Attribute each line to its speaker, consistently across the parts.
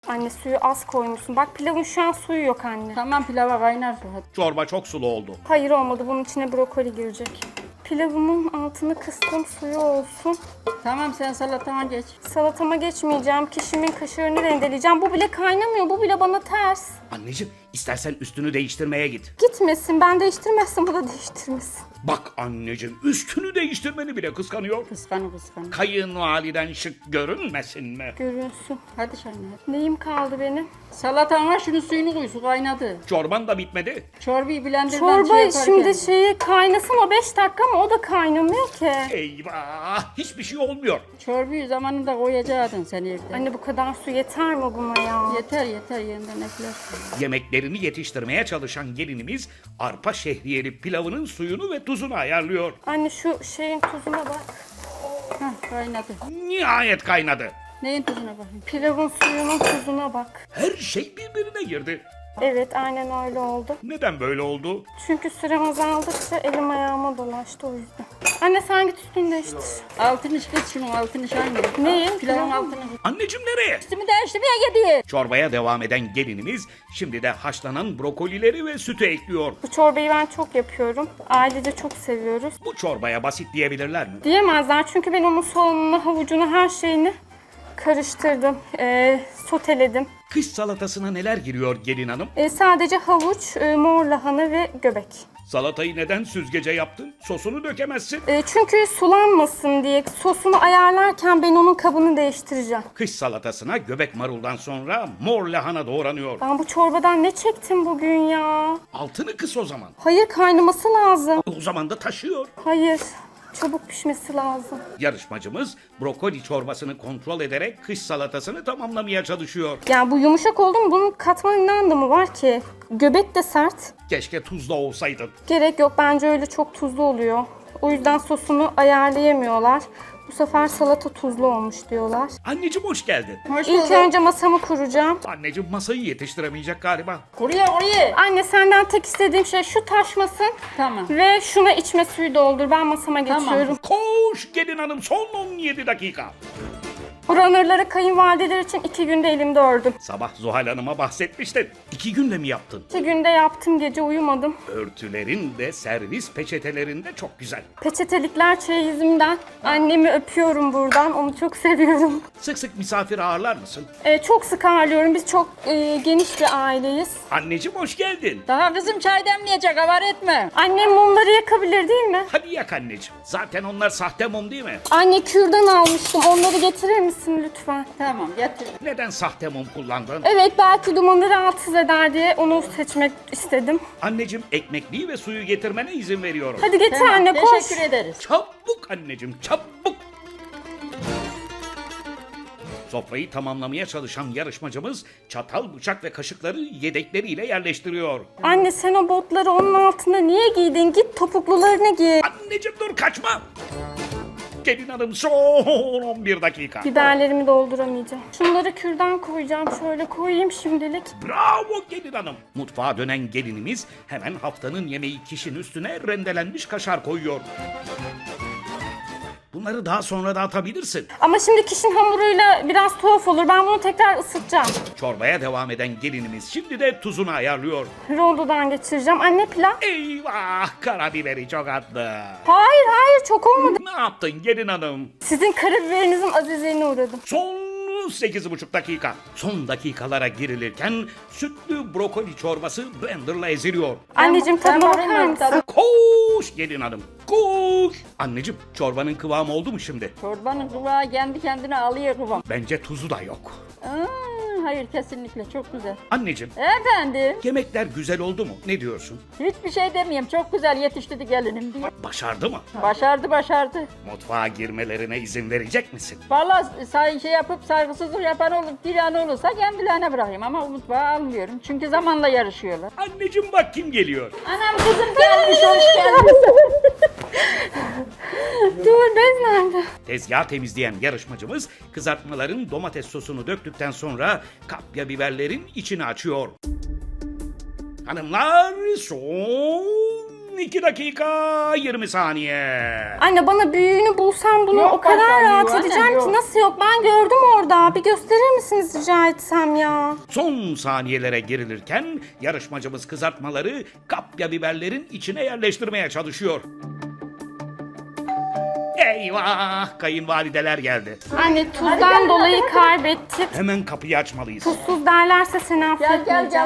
Speaker 1: Anne suyu az koymuşsun. Bak pilavın şu an suyu yok anne.
Speaker 2: Tamam, pilava kaynar su. Hadi.
Speaker 3: Çorba çok sulu oldu.
Speaker 1: Hayır olmadı. Bunun içine brokoli girecek. Pilavımın altını kıstım. Suyu olsun.
Speaker 2: Tamam, sen salatana geç.
Speaker 1: Salatama geçmeyeceğim. Kişimin kaşarını rendeleyeceğim. Bu bile kaynamıyor. Bu bile bana ters.
Speaker 3: Anneciğim istersen üstünü değiştirmeye git.
Speaker 1: Gitmesin. Ben değiştirmezsem o da değiştirmesin.
Speaker 3: Bak anneciğim üstünü değiştirmeni bile kıskanıyor.
Speaker 2: Kıskanı.
Speaker 3: Kayınvaliden şık görünmesin mi?
Speaker 1: Görünsün.
Speaker 2: Hadi Şahane.
Speaker 1: Neyim kaldı benim?
Speaker 2: Salatana şunun suyunu koy, su kaynadı.
Speaker 3: Çorban da bitmedi.
Speaker 2: Çorbayı blenderdan
Speaker 1: Çorba
Speaker 2: yaparken.
Speaker 1: şimdi şeyi kaynasın o 5 dakika ama o da kaynamıyor ki.
Speaker 3: Eyvah hiçbir şey olmuyor.
Speaker 2: Çorbayı zamanında koyacaktın sen evde.
Speaker 1: Anne bu kadar su yeter mi buna ya?
Speaker 2: Yeter yeniden eklersin.
Speaker 3: Yemeklerini yetiştirmeye çalışan gelinimiz arpa şehriyeli pilavının suyunu ve tuzunu ayarlıyor.
Speaker 1: Anne şu şeyin tuzuna bak.
Speaker 2: Hah, kaynadı.
Speaker 3: Nihayet kaynadı.
Speaker 2: Neyin tuzuna bakayım?
Speaker 1: Pilavın suyunun tuzuna bak.
Speaker 3: Her şey birbirine girdi.
Speaker 1: Evet aynen öyle oldu.
Speaker 3: Neden böyle oldu?
Speaker 1: Çünkü sürem azaldıkça elim ayağıma dolaştı o yüzden. Anne sen git üstünü değiştir.
Speaker 2: Altını kız şunun altını Şahane.
Speaker 1: Neyin?
Speaker 2: Pilavın altını.
Speaker 3: Anneciğim nereye?
Speaker 2: Üstümü değiştirmeye gidiyor.
Speaker 3: Çorbaya devam eden gelinimiz şimdi de haşlanan brokolileri ve sütü ekliyor.
Speaker 1: Bu çorbayı ben çok yapıyorum. Ailece çok seviyoruz.
Speaker 3: Bu çorbaya basit diyebilirler mi?
Speaker 1: Diyemezler çünkü ben onun soğanını, havucunu, her şeyini karıştırdım. Soteledim.
Speaker 3: Kış salatasına neler giriyor gelin hanım?
Speaker 1: Sadece havuç, mor lahana ve göbek.
Speaker 3: Salatayı neden süzgece yaptın? Sosunu dökemezsin.
Speaker 1: Çünkü sulanmasın diye sosunu ayarlarken ben onun kabını değiştireceğim.
Speaker 3: Kış salatasına göbek maruldan sonra mor lahana doğranıyor.
Speaker 1: Ben bu çorbadan ne çektim bugün ya?
Speaker 3: Altını kıs o zaman.
Speaker 1: Hayır kaynaması lazım.
Speaker 3: O zaman da taşıyor.
Speaker 1: Hayır. Çabuk pişmesi lazım.
Speaker 3: Yarışmacımız brokoli çorbasını kontrol ederek kış salatasını tamamlamaya çalışıyor.
Speaker 1: Yani bu yumuşak oldu mu bunun katmanın ne anlamı var ki? Göbek de sert.
Speaker 3: Keşke tuzlu olsaydın.
Speaker 1: Gerek yok bence öyle çok tuzlu oluyor. O yüzden sosunu ayarlayamıyorlar. Bu sefer salata tuzlu olmuş diyorlar.
Speaker 3: Anneciğim hoş geldin.
Speaker 2: Hoş
Speaker 1: İlk
Speaker 2: bulduk.
Speaker 1: önce masamı kuracağım.
Speaker 3: Anneciğim masayı yetiştiremeyecek galiba.
Speaker 2: Kuruyor.
Speaker 1: Anne senden tek istediğim şey şu taşmasın.
Speaker 2: Tamam.
Speaker 1: Ve şuna içme suyu doldur. Ben masama
Speaker 2: Tamam.
Speaker 1: geçiyorum.
Speaker 3: Koş gelin hanım son 17 dakika.
Speaker 1: Bu runner'ları kayınvalideler için 2 günde elimde ördüm.
Speaker 3: Sabah Zuhal Hanım'a bahsetmiştin. 2 günde mi yaptın?
Speaker 1: 2 günde yaptım gece uyumadım.
Speaker 3: Örtülerin de servis peçetelerin de çok güzel.
Speaker 1: Peçetelikler çeyizimden. Annemi öpüyorum buradan. Onu çok seviyorum.
Speaker 3: Sık sık misafir ağırlar mısın?
Speaker 1: Çok sık ağırlıyorum. Biz çok geniş bir aileyiz.
Speaker 3: Anneciğim hoş geldin.
Speaker 2: Daha kızım çay demleyecek, havar etme.
Speaker 1: Annem mumları yakabilir değil mi?
Speaker 3: Hadi yak anneciğim. Zaten onlar sahte mum değil mi?
Speaker 1: Anne kürdan almıştım. Onları getirir misin lütfen?
Speaker 2: Tamam, getir.
Speaker 3: Neden sahte mum kullandın?
Speaker 1: Evet belki dumanı rahatsız eder diye onu seçmek istedim.
Speaker 3: Anneciğim ekmekliği ve suyu getirmene izin veriyorum.
Speaker 1: Hadi getir
Speaker 2: Tamam,
Speaker 1: anne koş.
Speaker 2: teşekkür ederiz.
Speaker 3: Çabuk anneciğim çabuk. Sofrayı tamamlamaya çalışan yarışmacımız çatal, bıçak ve kaşıkları yedekleriyle yerleştiriyor.
Speaker 1: Anne sen o botları onun altına niye giydin? Git topuklularını giy.
Speaker 3: Anneciğim dur kaçma. Gelin hanım son 11 dakika.
Speaker 1: Biberlerimi dolduramayacağım. Şunları kürdan koyacağım. Şöyle koyayım şimdilik.
Speaker 3: Bravo gelin hanım. Mutfağa dönen gelinimiz hemen haftanın yemeği kişinin üstüne rendelenmiş kaşar koyuyor. Bunları daha sonra da atabilirsin.
Speaker 1: Ama şimdi kişinin hamuruyla biraz tuhaf olur. Ben bunu tekrar ısıtacağım.
Speaker 3: Çorbaya devam eden gelinimiz şimdi de tuzunu ayarlıyor.
Speaker 1: Rondodan geçireceğim. Anne pilav.
Speaker 3: Eyvah karabiberi çok attı.
Speaker 1: Hayır çok olmadı.
Speaker 3: Ne yaptın gelin hanım?
Speaker 1: Sizin karabiberinizin azizliğine uğradım.
Speaker 3: Son 8,5 dakika. Son dakikalara girilirken sütlü brokoli çorbası blenderla eziliyor.
Speaker 1: Anneciğim
Speaker 2: Ben
Speaker 1: tadına
Speaker 2: bakayım
Speaker 1: bakar
Speaker 2: ben
Speaker 1: mısın?
Speaker 2: tadına.
Speaker 3: Koş gelin hanım koş. Anneciğim çorbanın kıvamı oldu mu şimdi?
Speaker 2: Çorbanın kulağı kendi kendine alıyor kıvam.
Speaker 3: Bence tuzu da yok.
Speaker 2: Hayır, kesinlikle çok güzel.
Speaker 3: Anneciğim
Speaker 2: Efendim,
Speaker 3: yemekler güzel oldu mu? Ne diyorsun?
Speaker 2: hiçbir şey demeyeyim, çok güzel yetiştirdi gelinim diye.
Speaker 3: Başardı mı?
Speaker 2: Başardı.
Speaker 3: Mutfağa girmelerine izin verecek misin?
Speaker 2: Vallahi şey yapıp saygısızlık yapan olur, diren olursa kendilerine bırakayım ama mutfağa almıyorum. Çünkü zamanla yarışıyorlar.
Speaker 3: Anneciğim bak kim geliyor.
Speaker 2: Anam kızım gelmiş, hoş geldin.
Speaker 1: Dur bez nerede?
Speaker 3: Tezgah temizleyen yarışmacımız kızartmaların domates sosunu döktükten sonra kapya biberlerin içini açıyor. Hanımlar son 2 dakika 20 saniye.
Speaker 1: Anne bana büyüğünü bulsam bunu
Speaker 2: Yok,
Speaker 1: o kadar
Speaker 2: başka
Speaker 1: rahat
Speaker 2: büyüğü anne,
Speaker 1: edeceğim
Speaker 2: yok.
Speaker 1: ki. Nasıl yok? Ben gördüm orada. Bir gösterir misiniz rica etsem ya?
Speaker 3: Son saniyelere girilirken yarışmacımız kızartmaları kapya biberlerin içine yerleştirmeye çalışıyor. Eyvah! Kayınvalideler geldi.
Speaker 1: Anne tuzdan dolayı kaybettik.
Speaker 3: Hemen kapıyı açmalıyız.
Speaker 1: Tuzsuz derlerse seni
Speaker 2: Gel gel
Speaker 1: affetmeyeceğim.
Speaker 2: gel.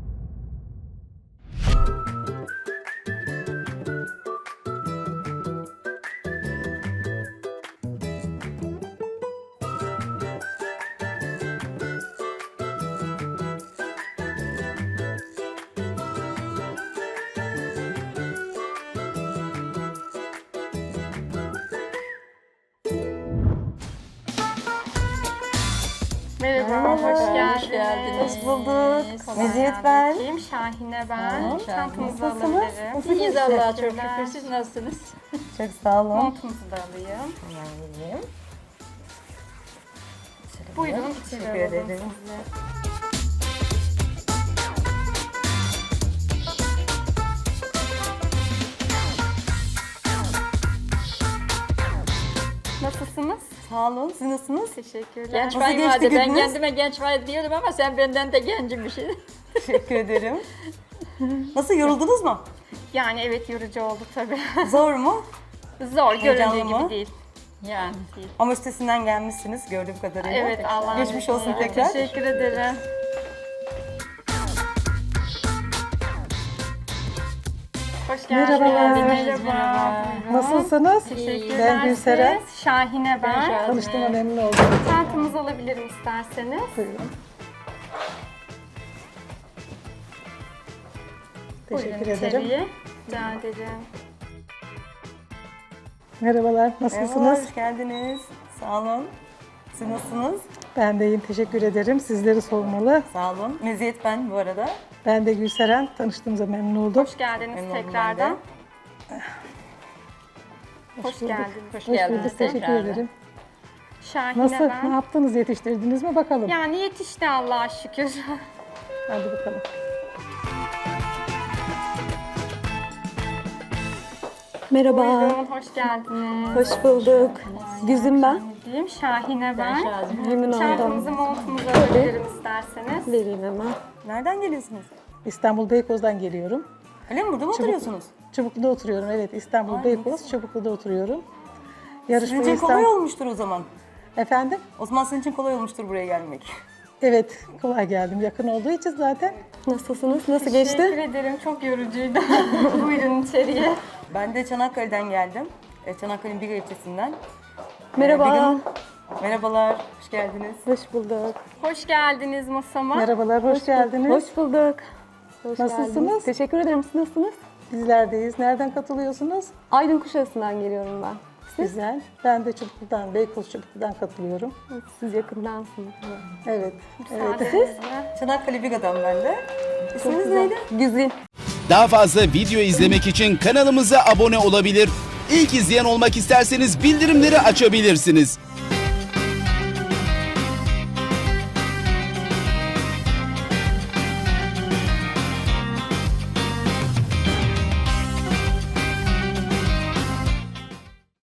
Speaker 1: Merhaba, hoş geldiniz.
Speaker 2: geldiniz.
Speaker 4: Hoş bulduk.
Speaker 1: Kolay
Speaker 4: Meziyet ben.
Speaker 1: gelsin. Şahine ben. Çantamızı
Speaker 4: Nasılsınız?
Speaker 1: alabilirim.
Speaker 2: İyiyiz Allah'a çok şükür. Siz nasılsınız?
Speaker 4: Çok sağ olun.
Speaker 1: Montumuzu da alayım.
Speaker 4: Hemen vereyim.
Speaker 1: Buyurun,
Speaker 4: Teşekkür
Speaker 1: içeri alalım
Speaker 4: ederim.
Speaker 1: sizi. Nasılsınız?
Speaker 4: Sağ olun. Siz nasılsınız?
Speaker 1: Teşekkürler.
Speaker 2: Genç
Speaker 4: Nasıl geçti
Speaker 2: kayınvalide. Ben
Speaker 4: gününüz?
Speaker 2: kendime genç valide diyordum ama sen benden de gencimmişsin.
Speaker 4: Teşekkür ederim. Nasıl yoruldunuz mu?
Speaker 1: Yani evet yorucu oldu tabii.
Speaker 4: Zor mu?
Speaker 1: Zor,
Speaker 4: Heyecanlı
Speaker 1: göründüğü
Speaker 4: mı?
Speaker 1: gibi değil.
Speaker 2: Yani değil.
Speaker 4: Ama üstesinden gelmişsiniz gördüğüm kadarıyla.
Speaker 1: Evet Allah'ım.
Speaker 4: Geçmiş olsun tekrar.
Speaker 1: Teşekkür ederim. Hoş geldiniz.
Speaker 5: Merhabalar.
Speaker 1: Merhaba.
Speaker 5: Nasılsınız?
Speaker 1: Teşekkürler.
Speaker 5: Ben Gülseren.
Speaker 1: Siz? Şahine ben.
Speaker 2: Şahine.
Speaker 5: Tanıştığıma memnun oldum.
Speaker 1: Çantamızı alabilirim isterseniz.
Speaker 5: Buyurun. Teşekkür
Speaker 1: Buyurun
Speaker 5: ederim.
Speaker 1: içeriye. Rica ederim.
Speaker 5: Merhabalar,
Speaker 4: Merhabalar,
Speaker 5: nasılsınız?
Speaker 4: hoş geldiniz. Sağ olun. Siz nasılsınız?
Speaker 5: Ben de iyiyim, teşekkür ederim. Sizleri sormalı.
Speaker 4: Sağ olun. Meziyet ben bu arada.
Speaker 5: Ben de Gülseren, tanıştığımıza memnun oldum.
Speaker 1: Hoş geldiniz
Speaker 4: Memnun oldum
Speaker 1: tekrardan.
Speaker 4: ben
Speaker 1: Hoş geldiniz.
Speaker 2: Hoş
Speaker 5: Hoş
Speaker 2: geldiniz.
Speaker 5: bulduk, teşekkür
Speaker 2: tekrar.
Speaker 5: ederim.
Speaker 1: Şahine
Speaker 5: Nasıl, ne
Speaker 1: ben.
Speaker 5: yaptınız, yetiştirdiniz mi bakalım?
Speaker 1: Yani yetişti Allah'a şükür.
Speaker 5: Hadi bakalım.
Speaker 6: Merhaba,
Speaker 1: Buyurun, hoş geldiniz.
Speaker 6: hoş bulduk. Güzüm ben.
Speaker 1: Diyeyim, Şahine ben.
Speaker 6: Memnun
Speaker 1: Çantamızı,
Speaker 6: oldum.
Speaker 1: montumuzu alabilirim isterseniz.
Speaker 6: Vereyim hemen.
Speaker 4: Nereden geliyorsunuz?
Speaker 5: İstanbul Beykoz'dan geliyorum.
Speaker 4: Öyle mi? Burada mı oturuyorsunuz?
Speaker 5: Çubuklu'da oturuyorum, evet. İstanbul
Speaker 4: Ay,
Speaker 5: Beykoz, Çubuklu'da oturuyorum.
Speaker 4: Sizin
Speaker 5: Yarışmaya
Speaker 4: için kolay
Speaker 5: İstanbul...
Speaker 4: olmuştur o zaman.
Speaker 5: Efendim?
Speaker 4: O zaman sizin için kolay olmuştur buraya gelmek.
Speaker 5: Evet, kolay geldim. Yakın olduğu için zaten.
Speaker 6: Nasılsınız? Nasıl
Speaker 1: Teşekkür
Speaker 6: geçti?
Speaker 1: ederim, çok yorucuydu. Buyurun içeriye.
Speaker 4: Ben de Çanakkale'den geldim. Çanakkale'nin bir ilçesinden.
Speaker 6: Merhaba.
Speaker 4: Bir gün- Merhabalar, hoş geldiniz.
Speaker 6: Hoş bulduk.
Speaker 1: Hoş geldiniz masama.
Speaker 5: Merhabalar, hoş geldiniz.
Speaker 6: Hoş bulduk. Hoş
Speaker 5: Nasılsınız?
Speaker 6: geldiniz. Teşekkür ederim. Siz nasılsınız?
Speaker 5: Bizlerdeyiz. Nereden katılıyorsunuz?
Speaker 6: Aydın Kuşadası'ndan geliyorum ben.
Speaker 5: Güzel. Ben de Çubuklu'dan, Beykoz Çubuklu'dan katılıyorum.
Speaker 6: Siz yakındansınız.
Speaker 5: Evet. Evet.
Speaker 1: Müsaadenizle.
Speaker 4: Çanakkale Biga'dan ben de. İsminiz neydi?
Speaker 6: Güzin.
Speaker 7: Daha fazla video izlemek için kanalımıza abone olabilir. İlk izleyen olmak isterseniz bildirimleri açabilirsiniz.